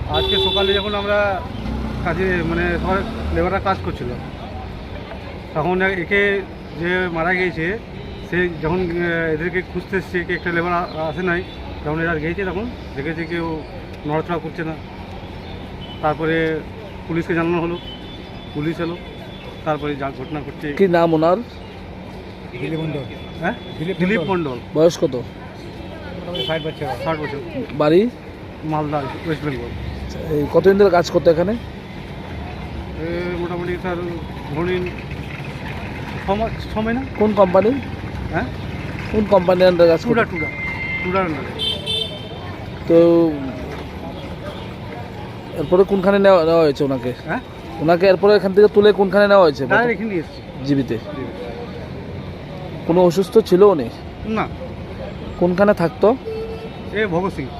আজকে সকালে যখন আমরা কাজে মানে সবাই লেবাররা কাজ করছিল, তখন একে যে মারা গিয়েছে সে যখন এদেরকে খুঁজতে এসছে, কি একটা লেবার আসে নাই, যখন এরা গিয়েছে তখন দেখেছে কেউ নড়াচড়া করছে না। তারপরে পুলিশকে জানানো হলো, পুলিশ এলো, তারপরে যা ঘটনা ঘটছে। কি নাম ওনার? দিলীপ মণ্ডল। হ্যাঁ, দিলীপ মণ্ডল। বয়স কত? 60 বছর। 60 বছর। বাড়ি? মালদা, ওয়েস্ট বেঙ্গল। এই কতদিন ধরে কাজ করতো এখানে? মোটামুটি স্যার ধরুন 6 মাস না। কোন কোম্পানি? হ্যাঁ, কোন কোম্পানির আন্ডারে কাজ করতো? টুডার আন্ডারে। তো এরপরে কোনখানে নেওয়া হয়েছে ওনাকে? হ্যাঁ, ওনাকে এরপরে এখান থেকে তুলে কোনখানে নেওয়া হয়েছে? এখানে এসেছি জীবিতে। কোনো অসুস্থ ছিল উনি? না। কোনখানে থাকতো? ভগৎ সিং।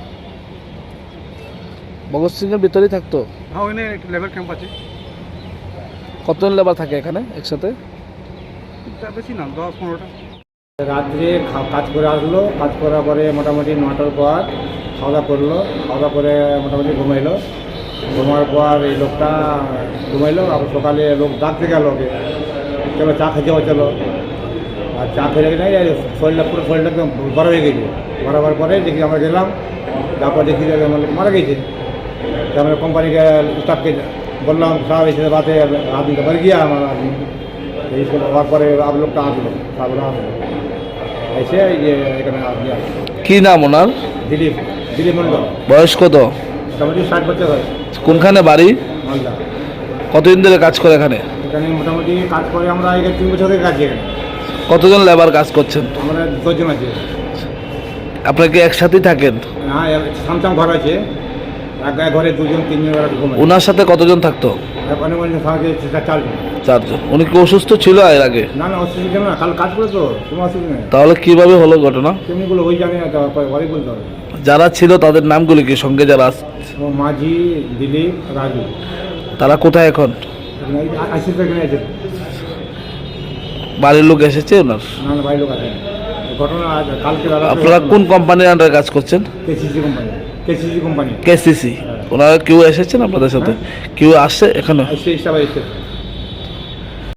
ভগৎ সিংয়ের ভিতরেই থাকতো? হ্যাঁ, ওখানে একটা লেবার ক্যাম্প আছে। কতজন লেবার থাকে এখানে একসাথে? বেশি না, 10-15টা। রাত্রে কাজ করে আসলো, কাজ করার পরে মোটামুটি 9টার পর খাওয়া দাওয়া করলো, খাওয়া দাওয়া করে মোটামুটি ঘুমাইলো। ঘুমার পর এই লোকটা ঘুমাইলো, আবার সকালে লোক ডাকতে গেল ওকে, চলো চা খেতে হবে চলো। আর চা খেলে নাই, শরীরটা পুরো শরীরটা একদম বড় হয়ে গেছে। বড় হওয়ার পরে দেখি আমরা গেলাম, তারপর দেখি যে আমার লোক মারা গেছে। আমরা কোম্পানিকে স্টাফকে বললাম সাহেব এসে বাতে আদমি তো মর গিয়া আমার আদমি। এই সব হওয়ার পরে আব লোকটা আসলো, সাহেবরা আসলো, এসে এই যে এখানে আদমি আসলো। কি নাম ওনার? দিলীপ মণ্ডল। বয়স কত? মোটামুটি 60 বছর হয়। কোনখানে বাড়ি? মালদা। কতদিন ধরে কাজ করে এখানে? এখানে মোটামুটি কাজ করে আমরা এখানে 3 বছর থেকে কাজ করি। কতজন লেবার কাজ করছেন? আমরা 2 জন আছি। আপনারা কি একসাথেই থাকেন? হ্যাঁ, সামসাম ঘর আছে, এক ঘরে 2-3 জন ঘুমায়। ওনার সাথে কতজন থাকতো? অনেক অনেক সঙ্গে 4 জন। 4 জন। উনি কি অসুস্থ ছিল এর আগে? না না, অসুবিধা না, কাল কাজ করে তো কোনো অসুবিধা নেই। তাহলে কিভাবে হলো ঘটনা? তেমনিগুলো ওই জানি না, ঘরে বলতে হবে। যারা ছিল তাদের নামগুলি কি সঙ্গে যারা ও মাঝি, দিলীপ, রাজু। তারা কোথায় এখন? আসি তো এখানে আছে। বাড়ির লোক এসেছে ওনার? না না, বাইরে লোক আছে। ঘটনা কালকে আপনারা কোন কোম্পানির আন্ডারে কাজ করছেন? KCC company. কেসিসি। ওনারা কেউ এসেছেন আপনাদের সাথে? কেউ আসছে এখানে? সেই হিসাবে এসেছে।